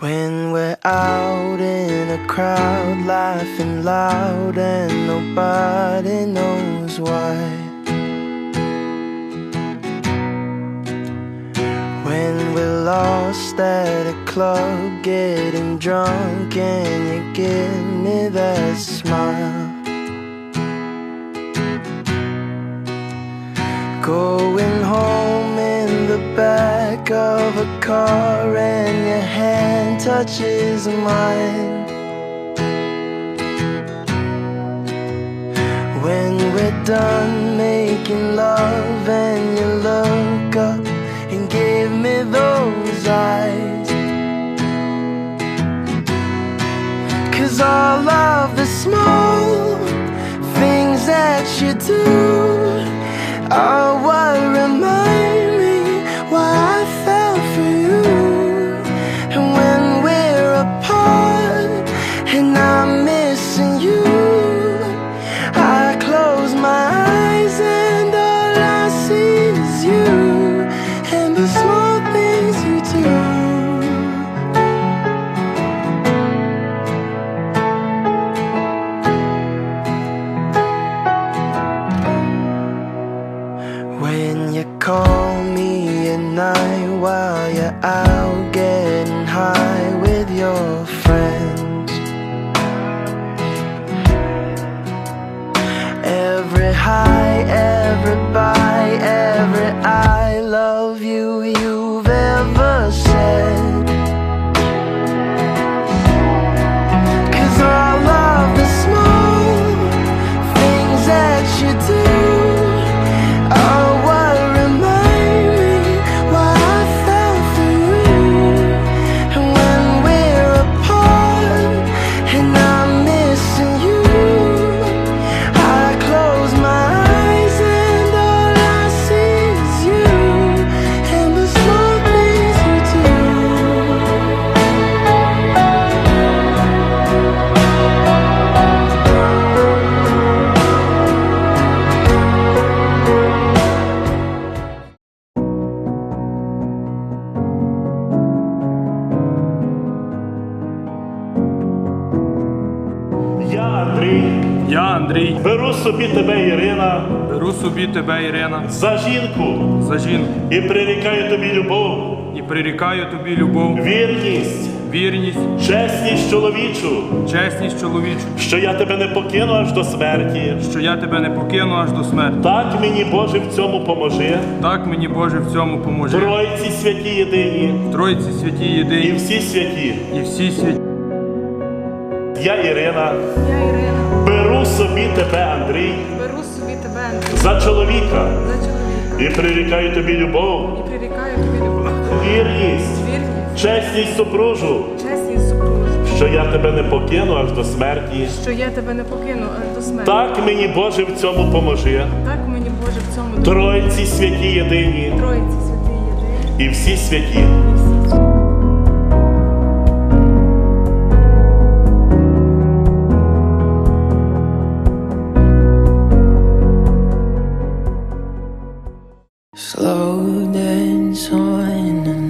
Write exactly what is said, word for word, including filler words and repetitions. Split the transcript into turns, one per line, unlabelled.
When we're out in a crowd, laughing loud and nobody knows why. When we're lost at a club, getting drunk and you give me that smile. Going home in the back of a car and your hand touches mine. When we're done making love and you look up and give me those eyes. 'Cause all of the small things that you do are what remind me why I fell for you. And when we're apart and I'm missing you, I close my eyes and all I see is you and the small things you do. When you call me at night while you're out getting high with your friends, every high, every bye, every I love you you've ever said. 'Cause all of the small things that you do are what remind me why I fell for you. And when we're apart and I'm missing you, I close my eyes and all I see is you and the small things you do.
Я, Андрій,
Я, Андрій,
беру собі тебе, Ірина,
беру собі тебе, Ірина,
за жінку
за жінку
і прирікаю тобі любов,
і прирікаю тобі любов,
вірність,
вірність,
чесність чоловічу,
чесність чоловічу,
що я тебе не покину аж до смерті.
що я тебе не покину аж до смерті.
Так мені, Боже, в цьому поможи.
Так мені, Боже, в цьому поможи.
Тройці святі єдині
Тройці святі
і
єдині
всі святі.
і всі святі.
Я, Ірина,
Я, Ірина,
беру собі тебе, Андрій,
беру собі тебе, Андрій,
за чоловіка
за чоловіка
і прирікаю тобі любов,
і прирікаю тобі любов,
вірність,
вірність,
чесність супружу,
чесність супружу,
що я тебе не покину аж до смерті.
що я тебе не покину аж до смерті.
Так мені, Боже, в цьому поможи.
Так мені, Боже, в цьому допоможе.
Тройці святі єдині
Троїці святий єдиний
і всі святі.
і всі.
Slow dance on